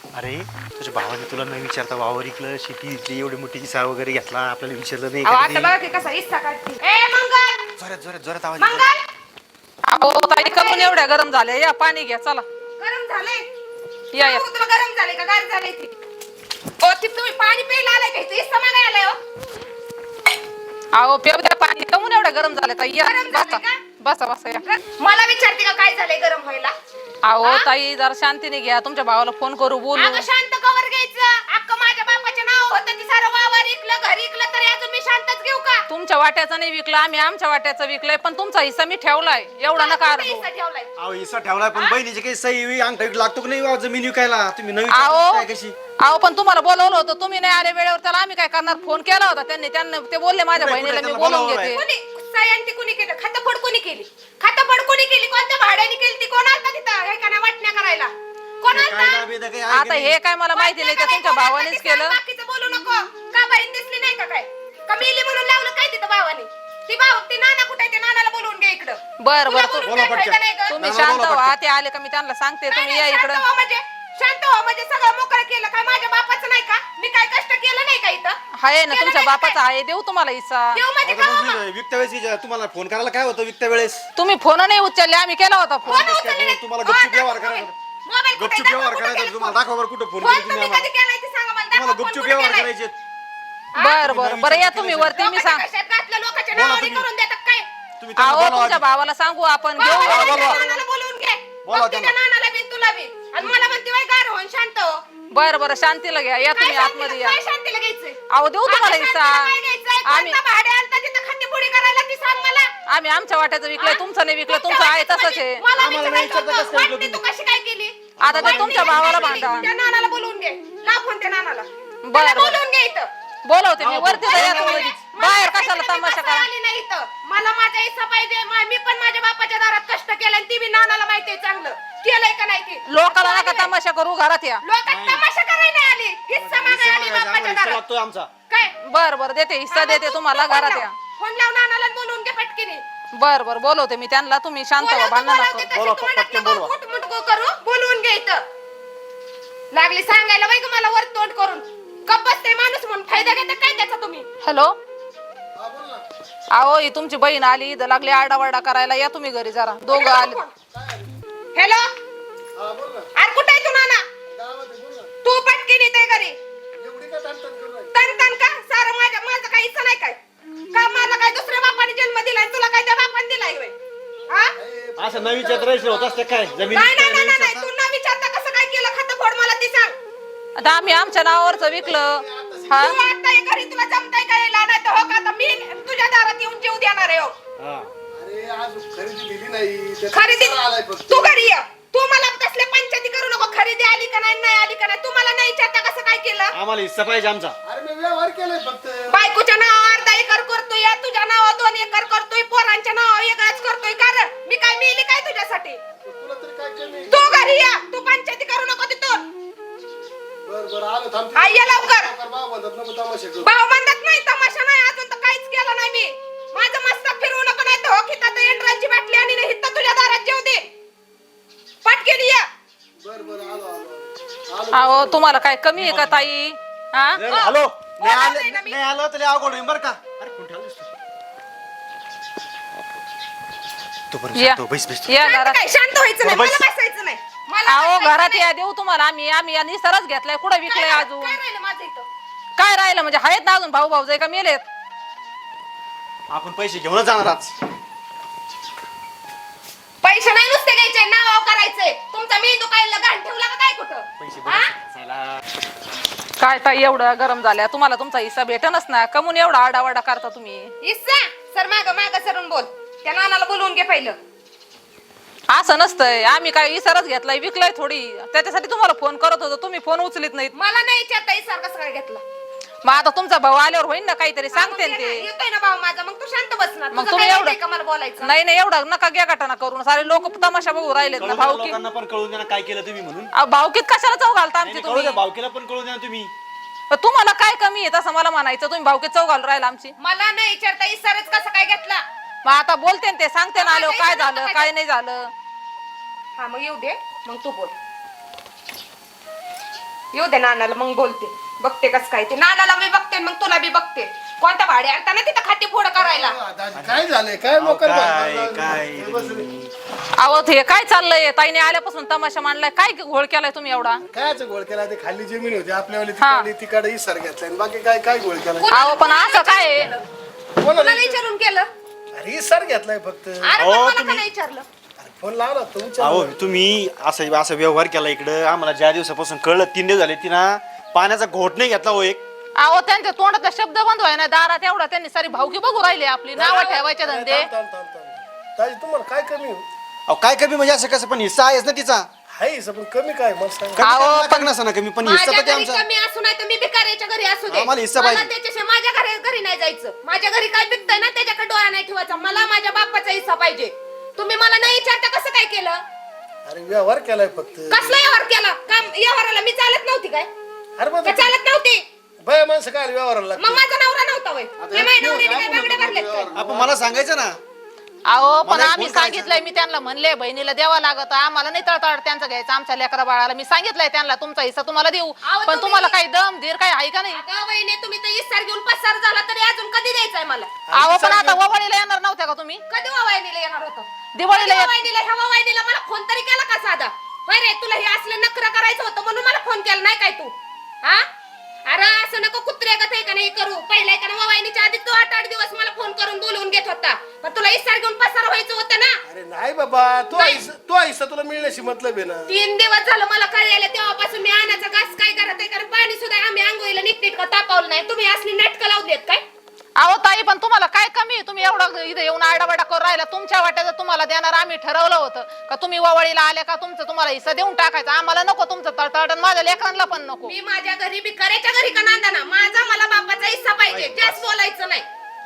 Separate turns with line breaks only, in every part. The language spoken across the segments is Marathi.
अरे तुझ्या भावाने तुला नाही विचारता वावर इकलं शेती इकली एवढी मोठी इसा वगैरे घेतला आपल्याला विचारलं नाही
आता
कधी.
बघा की कसा इस्सा काढते. ए मंगल
जोरात जोरात जोरात आवाज येतो.
मंगल
अहो ताई कमून एवढ्या गरम झाल्या या पाणी घ्या चला
गरम झालंय
या
सांगू का तुला गरम झालंय का गार झालंय ती ओ ती तुम्ही पाणी प्यायला आलाय का इथं इस्सा मागायला आलाय हो
अहो पेव द्या पाणी कमून एवढ्या गरम झाल्या ताई या
गरम झालंय
बसा
का?
बसा बसा या
मला विचारते का काय झालंय गरम व्हायला
अहो ताई जरा शांतीने घ्या तुमच्या भावाला फोन करू बोलू
अगं शांत कवर घ्यायचं अक्क माझ्या बापाचं नाव होतं ती सारं वावर इकलं घर इकलं तरी अजून मी शांतच घेऊ का
तुमच्या वाट्याचं नाही विकलं आम्ही आमच्या वाट्याचं विकलंय पण तुमचा हिस्सा मी ठेवलाय एवढा नका
कुठे
अर्धू
इस्सा ठेवलाय
अहो इसा ठेवलाय पण बहिणीची काही सही अंगठा लागतो की नाही वा जमीन विकायला तुम्ही नवी
अहो
काय कशी
अहो पण तुम्हाला बोलवलं होतं तुम्ही नाही आले वेळेवर त्याला आम्ही काय करणार फोन केला होता त्यांना ते बोलले माझ्या
कुठे-
बहिणीला
कुठे
मी
त्याला
बोलवून
बोलावलंय?
घेते
कोणी सयांती कोणी केलं खातफोड कोणी केली खातफोड कोणी केली कोणत्या भाड्याने केली ती कोण आलता तिथं हे का नाही वाटण्या करायला कोण
काय
आलता
दाबी काही आहे
आता
की
हे
नाही?
काय मला माहिती नाही ते तुमच्या भावानेच केलं
बाकीचं बोलू नको का बहीण दिसली नाही का काय का मेली म्हणून लावलं काय तिथं भावाने ती नाना कुठे ते नानाला बोलवून घे इकडं
बर
तुला
बर
बोलून
बोला
काय
पटकन.
फायदा नाही गं?
तुम्ही
नाना
शांत
बोला
व्हा
पटकन.
ते आले का मी त्यांना सांगते
नाही,
तुम्ही
नाही,
या इकडं
शांत व्हा म्हणजे सगळं मोकळं केलं काय माझ्या बापाचं नाही का मी काय कष्ट केलं नाही का इथं
आहे ना
केलं
तुमच्या
नाही का
बापाचा
काय?
आहे देऊ तुम्हाला हिस्सा
देव म्हणजे
आता
का
मग
बाबा?
विकत्या वेळेस तुम्हाला फोन करायला काय होतं विकत्या वेळेस
तुम्ही फोन नाही उचलले आम्ही केला होता फोन
फोन
काय
उचलले
करू?
नाही.
तुम्हाला
हो,
गपचूप
दाखव
व्यवहार
मोबाईल.
करायचा.
मोबाईल कुठे
गपचूप
दाखव,
व्यवहार
कुठे
करायचा
केलं
तुम्हाला
फोन?
दाखवा बरं कुठं फोन
फोन
केली तुम्ही
तुम्ही कधी
आम्हाला
केलाय ते सांगा मला
तुम्हाला
दाखवा, फोन
गपचूप
कुठे
व्यवहार
केलाय?
करायचे
बर बर बरं या तुम्ही वरती मी सांग
लोकांच्या कशात घातलं, लोकांच्या
बोला
नावाने
तुम्ही.
करून देतात काय
तुम्ही त्यांना
अहो
बोलावा
तुमच्या
आधी.
भावाला सांगू आपण घेऊ
बाबाला
बोलवा.
त्या नानाला बोलवून घे
बोलवा
बघ तिच्या
त्यांना.
नानाला बी तुला बी आणि मला म्हणते वय गार होऊन शांत हो
बर बर शांतीला घ्या या तुम्ही आतमध्ये या
काय शांतीला घ्यायचंय
अहो देऊ तुम्हाला
आता
हिस्सा
शांतीला काय घ्यायचंय?
आम्ही
कोणता भाडे आलता तिथं खंडीपुडी करायला ती सांग मला
आम्ही आमच्या वाट्याचं विकलंय तुमचं नाही विकलं तुमचं आहे तसंच आहे
मला
आम्हाला नाही
विचारायचं
विचारता कसं काय
होतं, वाटणी तू कशी काय केली
आता ते
वाटणी
तुमच्या
कशी
भावाला
केली?
भांडा.
त्या नानाला बोलवून घे लाव फोन त्या नानाला
बरं,
त्याला
बरं.
बोलवून घे इथं
बोलवते मी वरती जा या
मला
तुम्ही
मला
बाहेर
कशाला
कशाला
मी
तमाशा
बसायला
करा
आली नाही इथं. मला माझा हिस्सा पाहिजे मी पण माझ्या बापाच्या दारात कष्ट केलं आणि ती बी नानाला माहितीये चांगलं केलंय का नाही ते
लोकाला नका तमाशा करू घरात या
लोक तमाशा करायला नाही आली हिस्सा मागायला आली
हिस्सा
बापाच्या
हिस्सा
दारात
लागतोय आमचा
काय
बर बर देते हिस्सा देते तुम्हाला घरात या
फोन लाव नानाला आणि बोलवून घे पटकीने
बर बर बोलवते मी त्यांना तुम्ही शांत व्हा भांडण
बोलवते,
नका
बोला,
तशी तोंडात
पटकन
नको
बोलवा.
गुटमुटकू करू बोलवून घे इथं लागली सांगायला वै ग मला वर तोंड करून गप्प बसते माणूस म्हणून फायदा घेता काय त्याचा तुम्ही
हॅलो अहो ही तुमची बहीण आली इथं लागली आरडावरडा करायला या तुम्ही घरी जरा दोघं आले
हॅलो अरे कुठे आहे तू नाना तू पटकीन येते घरी तन तन का सारं माझं काही इच्छा नाही काय का मला काय दुसऱ्या बापाने जन्म दिलाय तुला काय त्या बापाने दिलाय होय हा
असं नवीन राहायचं होत असते काय जमीन
नाही नाही
विकताय,
नाही
नवीन
नाही
विकताय.
तू न विचारता कसं काय केलं खातं फोड मला ती सांग
आता आम्ही आमच्या नावावरच विकलं हा
तू आता हे घरी तुला जमताय काय नाही तर हो का आता मी तुझ्या दारात येऊन जेव देणार आहे हो
हा.
अरे आज खरेदी दिली नाही ते
खरेदी
कशाला आलाय फक्त?
तू घरी ये तू मला तसले पंचायती करू नको खरेदी आली का नाही आली का नाही तू मला नाही विचारता कसं काय केलं
आम्हाला हिस्सा पाहिजे आमचा
अरे मी व्यवहार केलाय फक्त
बायकोच्या नावावर अर्धा एकर करतोय तुझ्या नावावर 2 एकर करतोय पोरांच्या नावावर वेगळाच करतोय कारण मी काय मिळली काय तुझ्यासाठी
तुला तरी काय कमी
तू घरी या तू पंचायती करू नको तिथून
बर बर आलो थांब
आई ये लवकर.
भाव म्हणतात नको तमाशा करू
भाऊ म्हणत नाही तमाशा नाही अजून तर काहीच केलं नाही मी माझं मस्त फिरवू नको नाही तर हो खितात एंड्रालची बाटली आणि नाही हिथं तुझ्या दारात जेव दे पटकेली या
बर बर आलो
अहो तुम्हाला काय कमी आहे का ताई हा
जर हॅलो
बोला
नाही
नाही ना मी.
नाही आलं तर अवघड होईल बरं का अरे कोण ठेवलंस तू बरं
या
शांत हो, बैस बैस
या
शांत
घरात
काय शांत व्हायचं नाही
बस.
मला बसायचं नाही मला
अहो
बसायचं
घरात
नाही.
या देऊ तुम्हाला आम्ही आणि सरच घेतलाय कुठं विकलंय
काय
अजून
काय राहिलं माझं इथं
काय राहिलं म्हणजे आहेत ना अजून भाऊ भाऊ का मेलेत
आपण पैसे घेऊनच जाणार आज
पैसे नाही नुसते घ्यायचे नाव करायचंय तुमचा मेंदू काय घाण ठेवला का काय कुठं
पैसे
हा?
बरं
काय ताई एवढं गरम झाल्या तुम्हाला तुमचा हिस्सा भेटनच ना कमून एवढा आडावाडा करता तुम्ही
इस्सा सर माग सरून बोल त्या नानाला बोलवून घे पहिलं
असं नसतंय आम्ही काय इसरच घेतलाय विकलाय थोडी त्याच्यासाठी तुम्हाला फोन करत होतो तुम्ही फोन उचलीत नाहीत
मला नाही विचारता इसार कसं काय घेतला
मग आता तुमचा भाऊ आल्यावर होईल ना काहीतरी सांगते ना
मग
ते
येतोय ना भाऊ माझा मग तू शांत बसणार
मग
तुझं
तुम्ही
काय
एवढं-
येतंय का मला बोलायचं
नाही नाही एवढा नका घ्या गाठाना करून सारे लोक तमाशा बघू राहिलेत ना भाऊ की
लोकांना पण कळून द्या काय केलं तुम्ही म्हणून
भाऊकीत कशाला चौ घालता
नाही,
आमची
नाही, कळू
तुम्ही
द्या भावकीला पण कळून द्या तुम्ही
तुम्हाला काय कमी आहे तसं मला म्हणायचं तुम्ही भाऊकीत चौ घालून राहिला आमची
मला नाही विचारता इसारच कसं काय घेतला
मग आता बोलते ना ते सांगते ना आलो काय झालं काय नाही झालं
हा मग येऊ दे मग तू बोल येऊ दे नानाला मग बोलते. बघते कस काय ते. नानाला मी बघते मग तुला बी बघते. कोणता भाडे आणता ना तिथं खाती फोड करायला.
दाजी काय झालंय काय मोकर
काय
अहो हे काय चाललंय? ताईने आल्यापासून तमाशा मांडलाय. काय घोळ केलाय तुम्ही एवढा?
कायच गोळ केला ते खाली जमीन होती आपल्यावाली तिकडे इसर घेतलाय बाकी काय काय गोळ केला
अहो पण असं काय आहे?
कोणाला
तुला विचारून केलं?
अरे इसर घेतलाय फक्त
अरे
अहो,
पण मला का
तुम्ही-
नाही विचारलं?
फोन लावला तुमच्या
अहो तुम्ही असं व्यवहार केला इकडं. आम्हाला ज्या दिवसापासून कळलं 3 दिवस झाले तिनं पाण्याचा घोट नाही घेतला हो एक.
अहो त्यांच्या तोंडातला शब्द बंद व्हाय ना दारात एवढा त्यांनी सारी भावकी बघू राहिली आपली नावं ठेवायचे धंदे.
दाजी तुम्हाला काय कमी हो?
अहो काय कमी म्हणजे असं कसं पण हिस्सा आहेच ना तिचा.
हाय पण कमी काय मला सांगा
कमी
अहो,
करायला लागणार नसं ना कमी पण हिस्सा
माझ्या
तर ते
घरी
आमचा.
कमी असू नाही तर मी भिकाऱ्याच्या घरी असू दे.
आम्हाला हिस्सा
मला
पाहिजे.
त्याच्याशिवाय माझ्या घरी नाही जायचं. माझ्या घरी काय पिकतंय ना त्याच्याकडे डोळा नाही ठेवायचा. मला माझ्या बापाचा हिस्सा पाहिजे. तुम्ही मला नाही विचारता कसं काय केलं?
अरे व्यवहार केलाय फक्त
कसला व्यवहार केला? काम व्यवहाराला मी चालत नव्हती काय?
अरे मग
का चालत नव्हती?
बाय माणसं काय व्यवहाराला
मग माझा नवरा नव्हता वय. मी माझ्या नवऱ्याने काय बांगड्या भरल्यात काय?
आपण मला सांगायचं ना.
अहो पण
मला एक
आम्ही
फोन करायचा.
सांगितलंय मी त्यांना म्हणले बहिणीला द्यावा लागत आम्हाला नाही तळतळ त्यांचं घ्यायचं आमच्या लेकरा बाळाला. मी सांगितलंय त्यांना तुमचा हिस्सा तुम्हाला देऊ
अहो,
पण
तुम्ही-
तुम्हाला काही दम धीर काही आहे का नाही?
अगं वहिनी तुम्ही तर इसार घेऊन पसार झाला तरी अजून कधी द्यायचंय मला?
अहो पण आता ववळीला येणार नव्हत्या का तुम्ही?
कधी वावायनीला येणार होतं?
दिवाळीला येत-
ह्या वावायनीला मला फोन तरी केला का साधा? होय रे तुला हे असलं नखरं करायचं होतं म्हणून मला फोन केला नाही काय तू? हा? अरे असं नको कुत्र्या का का नाही करू. पहिल्या एका वावायनीच्या आधी तू 8-8 दिवस मला फोन करून बोलवून घेत होता. पण तुला इसार घेऊन पसार व्हायचं होतं ना.
अरे नाही बाबा तो
नाही.
हिस्सा तुला मिळण्याशी मतलब आहे ना
3 दिवस झालं मला कळलेलं तेव्हापासून मी आणायचं घास काय करत आहे कारण पाणी सुद्धा आम्ही आंघोळीला नीटनेटकं तापवलं नाही. तुम्ही असली नाटकं लावलीत काय?
अहो ताई पण तुम्हाला काय कमी आहे? तुम्ही एवढं इथे येऊन आडावाडा करून राहिला. तुमच्या वाट्याचं तुम्हाला देणार आम्ही ठरवलं होतं का तुम्ही ववळीला आले का तुमचं तुम्हाला हिस्सा देऊन टाकायचा. आम्हाला नको तुमचं तळतळ माझ्या लेकरांना पण नको.
मी माझ्या घरी भिकाऱ्याच्या घरी का नांदाना. माझा मला बापाचा हिस्सा पाहिजे. जास्त बोलायचं नाही.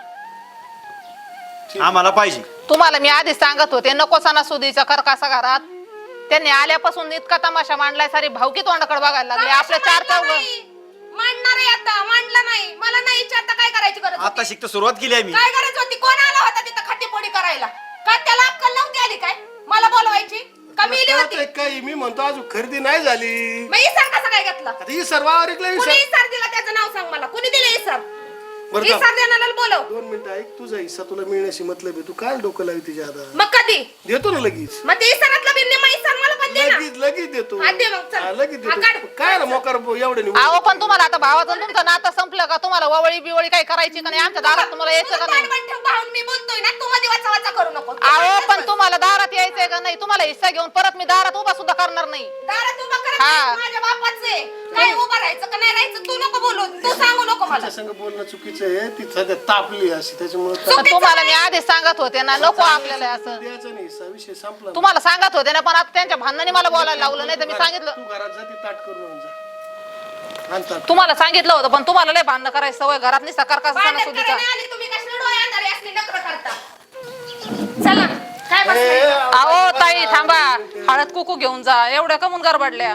आम्हाला पाहिजे.
तुम्हाला मी आधीच सांगत होते नको सणासुदीचा करकासा घरात. त्यांनी आल्यापासून इतका तमाशा मांडलाय सारी भावकी तोंडाकडे बघायला लागले. आपल्या चार
मांडला
चौघ
नाही. मांडणार आहे आता. मांडला नाही. मला नाही विचारता काय करायची गरज
आता
होती?
शिकत सुरुवात केली आहे मी.
काय गरज होती? कोण आला होता तिथं खट्टीपोडी करायला? का त्याला अक्कल नव्हती आली काय? मला बोलवायची का मिली होती?
कळतंय काही मी म्हणतो अजून खरेदी नाही झाली
मग इसार कसा काय घेतला?
आता ही सर्व आवरीकला
कुणी इसार दिला त्याचं नाव सांग मला. कुणी दिलं इसार?
बरं का?
इसार देणाऱ्याला बोलव.
2 मिनिटं ऐक तुझा हिस्सा तुला मिळण्याशी मतलब आहे तू काय डोकं लावी तिच्या हातात
मग कधी?
देतो ना लगेच
मग ते इसारातला बिन्ने मग इसार मला पण दे ना.
लगेच देतो
हा, दे मग, चल.
हा, लगेच
हा, काढ.
देतो काय ना मोकार एवढं नाही
अहो पण तुम्हाला आता भावाचं तुमचं नातं संपलं का? तुम्हाला ववळी बिवळी काही करायची का नाही? आमच्या दारात तुम्हाला यायचं का नाही?
तोंड ठेव भाऊन मी बोलतोय ना. तू मध्ये वाचा वाचा करू नको.
अहो पण तुम्हाला दारात यायचंय का नाही? तुम्हाला हिस्सा घेऊन परत मी दारात उभा सुद्धा करणार नाही.
दारात उभा करा.
हा.
माझ्या बापाचं आहे. काय उभं राहायचं का नाही राहायचं तू नको बोलू. तू सांगू नको मला.
तिच्या संग बोलणं चुकीचं आहे ती सध्या तापली अशी त्याच्यामुळे
पण तुम्हाला मी आधीच सांगत होते ना नको आपल्याला असं.
द्यायचं नाही हिस्सा विषय संपला
तुम्हाला सांगत होते ना पण आता त्यांच्या भांडणाने मला बोलायला लावलं नाही तर मी सांगितलं.
तू घरात जा ती ताट करून आण जा आण ताट.
तुम्हाला सांगितलं होतं पण तुम्हाला लय भांडणं करायची सवय घरात नाही सकार कसा
भांडण
सणासुदीचा.
करायला आली तुम्ही कशाला डोळे अंधारे असली नखरं करता? चला काय
ए,
बसलाय?
अहो ताई थांबा हळद कुकू घेऊन जा. एवढ्या कमून गरबडल्या.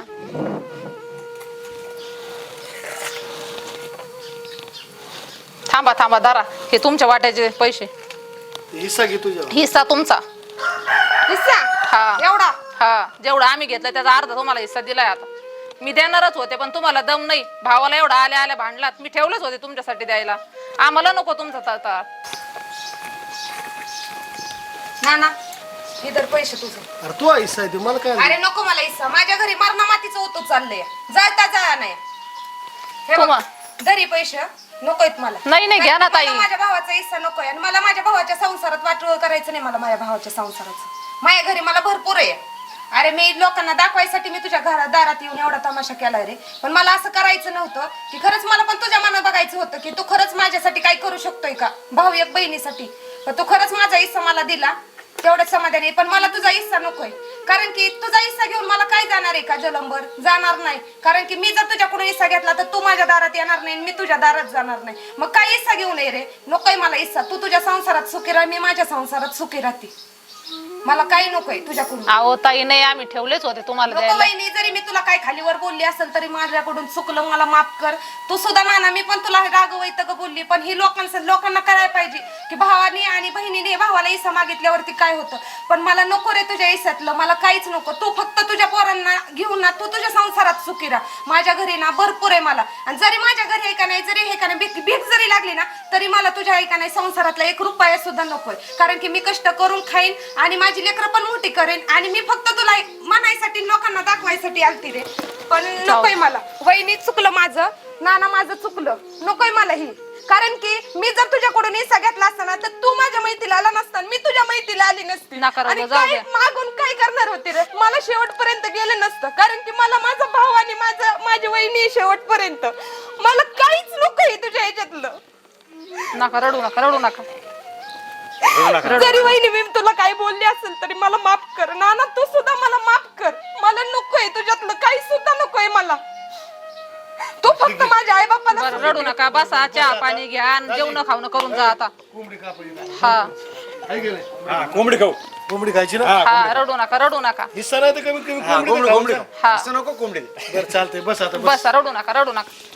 थांबा थांबा दारा हे तुमच्या वाट्याचे पैसे.
हिस्सा घे तुझ्या
हिस्सा तुमचा.
हिस्सा?
हा
एवढा?
हा जेवढा आम्ही घेतलं त्याचा अर्धा तुम्हाला हिस्सा दिलाय. आता मी देणारच होते पण तुम्हाला दम नाही. भावाला एवढा आल्या आल्या भांडलात. मी ठेवलंच होते तुमच्यासाठी द्यायला. आम्हाला नको तुमचा तळतळ.
ना ना इधर पैसे तुझं.
अरे तू हिस्सा आहे ते मला काय
अरे नको मला हिस्सा. माझ्या घरी मरणा मातीचं होतो चाललंय. जाता जा नाही. हे बघ,
तुम्हा-
घरी पैसे नकोयत मला.
नाही, नाही, घ्या ना ताई.
मला माझ्या भावाचा हिस्सा नकोय आणि मला माझ्या भावाच्या संसारात वाटोळ करायचं नाही. मला माझ्या भावाच्या संसाराचं माझ्या घरी मला भरपूर आहे. अरे मी लोकांना दाखवायसाठी मी तुझ्या घरात दारात येऊन एवढा तमाशा केलाय रे. पण मला असं करायचं नव्हतं की खरंच मला पण तुझ्या मनात बघायचं होतं की तू खरंच माझ्यासाठी काय करू शकतोय का भाऊ एक बहिणीसाठी. पण तू खरंच माझा हिस्सा मला दिला तेवढंच समाधानी. पण मला तुझा हिस्सा नकोय कारण की तुझा हिस्सा घेऊन मला काय जाणार आहे का जलंबर? जाणार नाही. कारण की मी जर तुझ्याकडून हिस्सा घेतला तर तू माझ्या दारात येणार नाही मी तुझ्या दारात जाणार नाही. मग काय हिस्सा घेऊन ये रे? नकोय मला हिस्सा. तू तुझ्या संसारात सुखी राह मी माझ्या संसारात सुखी राहते. मला काही नकोय तुझ्याकडून.
अहो ताई नाही, आम्ही ठेवलेच होते तुम्हाला
नको
द्यायला.
वहिनी, जरी मी तुला काय खालीवर बोलली असेल तरी माझ्याकडून चुकलं, मला माफ कर. तू सुद्धा नाना, मी पण तुला रागवैत बोलली, पण ही लोकांना करायला पाहिजे की भावाने आणि बहिणीने भावाला इसा मागितल्यावरती काय होतं. पण मला नको रे तुझ्या इसातलं, मला काहीच नको. तू फक्त तुझ्या पोरांना घेऊन ना तू तुझ्या संसारात सुखी राहा. माझ्या घरी ना भरपूर आहे मला, आणि जरी माझ्या घरी आहे का नाही, जरी हे का नाही भीक जरी लागली ना तरी मला तुझ्या आहे का नाही संसारातला 1 रुपया सुद्धा नकोय. कारण की मी कष्ट करून खाईन आणि माझी लेकरं पण मोठी करेन, आणि मी फक्त तुला म्हणायसाठी लोकांना दाखवायसाठी आलती रे. पण नकोय मला वहिनी, चुकलं माझं, नाना माझं चुकलं, नकोय मला ही. कारण की मी जर तुझ्याकडून हिस्सा घेतला असता ना तर तू माझ्या मैत्रीला आला नसता, मी तुझ्या मैत्रीला आली नसती,
नका रडू,
आणि
जाऊ
काय
द्या.
मागून काय करणार होते रे. मला शेवटपर्यंत गेलं नसतं, कारण की मला माझा भाव आणि माझी वहिनी शेवटपर्यंत. मला काहीच नकोय तुझ्या ह्याच्यातलं.
नका रडू नका, रडू नका.
जरी वहिनी मी तुला काही बोलली असेल तरी मला माफ कर. नाना तू सुद्धा मला माफ कर. मला नकोय तुझ्यातलं काही सुद्धा नकोय मला. तू फक्त माझ्या आई बापाला.
बरं रडू नका, बसा, चहा पाणी घ्या आणि जेवण खावणं करून जा आता.
कोंबडी कापायची
हा
आहे की नाही?
हा कोंबडी खाऊ.
कोंबडी खायची ना.
हा, रडू नका, रडू नका.
हिस्सा नाही तर कमीत कमी
हा
कोंबडी
कोंबडी
खाऊ.
हा.
असं नको कोंबडी.
बरं चालतंय, बस आता बस.
बसा, रडू नका, रडू नका.